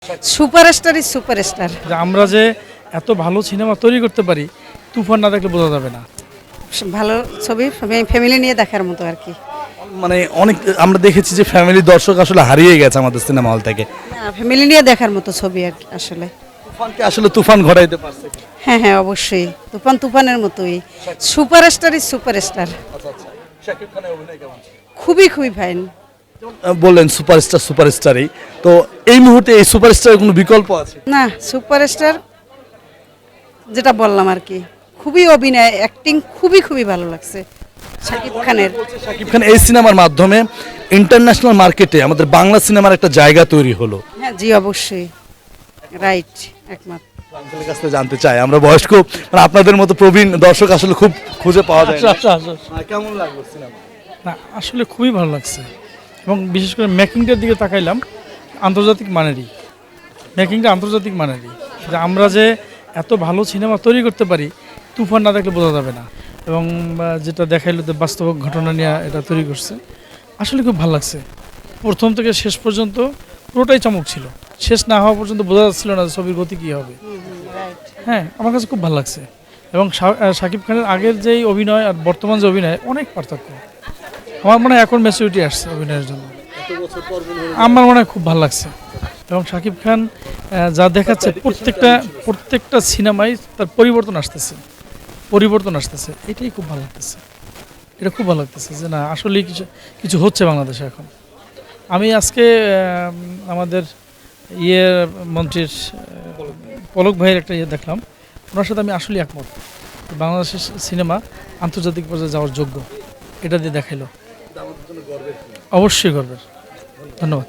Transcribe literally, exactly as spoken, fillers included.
Superstar is superstar. যে আমরা যে এত ভালো সিনেমা তৈরি করতে পারি, তুফান না দেখলে বোঝা যাবে না। ভালো ছবি, ফ্যামিলি নিয়ে দেখার মতো আর কি। মানে অনেক আমরা দেখেছি যে ফ্যামিলি দর্শক আসলে হারিয়ে গেছে আমাদের সিনেমা হল থেকে। না, ফ্যামিলি নিয়ে দেখার মতো ছবি আর কি আসলে। তুফানকে আসলে তুফান ঘটাইতে পারছে। হ্যাঁ হ্যাঁ অবশ্যই, তুফান তুফানের মতোই। Superstar is superstar. শাকিব খানের অভিনয় কেমন? খুবই খুবই ফাইন। বললেন সুপারস্টার সুপারস্টারই, তো এই মুহূর্তে এই সুপারস্টারের কোনো বিকল্প আছে? না, সুপারস্টার যেটা বললাম আর কি, খুবই অভিনয়, অ্যাক্টিং খুবই খুবই ভালো লাগছে শাকিব খানের। শাকিব খান এই সিনেমার মাধ্যমে ইন্টারন্যাশনাল মার্কেটে আমাদের বাংলা সিনেমার একটা জায়গা তৈরি হলো। হ্যাঁ জি অবশ্যই, রাইট, একমত। আপনাদের কাছ থেকে জানতে চাই, আমরা বয়স্ক মানে আপনাদের মতো প্রবীণ দর্শক আসলে খুব খুঁজে পাওয়া যায় না। আচ্ছা, আচ্ছা, আচ্ছা। হ্যাঁ, কেমন লাগলো সিনেমা? না আসলে খুবই ভালো লাগছে, এবং বিশেষ করে মেকিংটার দিকে তাকাইলাম, আন্তর্জাতিক মানেরই মেকিংটা আন্তর্জাতিক মানেরই। যে আমরা যে এত ভালো সিনেমা তৈরি করতে পারি, তুফান না দেখলে বোঝা যাবে না। এবং আহ, যেটা দেখাইলো যে বাস্তব ঘটনা নিয়ে এটা তৈরি করছে, আসলে খুব ভালো লাগছে। প্রথম থেকে শেষ পর্যন্ত পুরোটাই চমক ছিল, শেষ না হওয়া পর্যন্ত বোঝা যাচ্ছিল না যে ছবির গতি কী হবে। হ্যাঁ, আমার কাছে খুব ভালো লাগছে। এবং শা- আহ, শাকিব খানের আগের যেই অভিনয় আর বর্তমান যে অভিনয়, অনেক পার্থক্য। আমার মনে হয় এখন ম্যাচুরিটি আসছে অভিনয়ের জন্য। আমার মনে হয় খুব ভালো লাগছে। এবং শাকিব খান আহ, যা দেখাচ্ছে, প্রত্যেকটা প্রত্যেকটা সিনেমায় তার পরিবর্তন আসতেছে পরিবর্তন আসতেছে এটাই খুব ভালো লাগতেছে। এটা খুব ভালো লাগতেছে যে না, আসলেই কিছু কিছু হচ্ছে বাংলাদেশে এখন। আমি আজকে আহ, আমাদের ইয়ে মন্ত্রীর আহ, পলক ভাইয়ের একটা ইয়ে দেখলাম, ওনার সাথে আমি আসলেই একমত। বাংলাদেশের সিনেমা আন্তর্জাতিক পর্যায়ে যাওয়ার যোগ্য, এটা দিয়ে দেখাইলো। অবশ্যই গর্বের। ধন্যবাদ।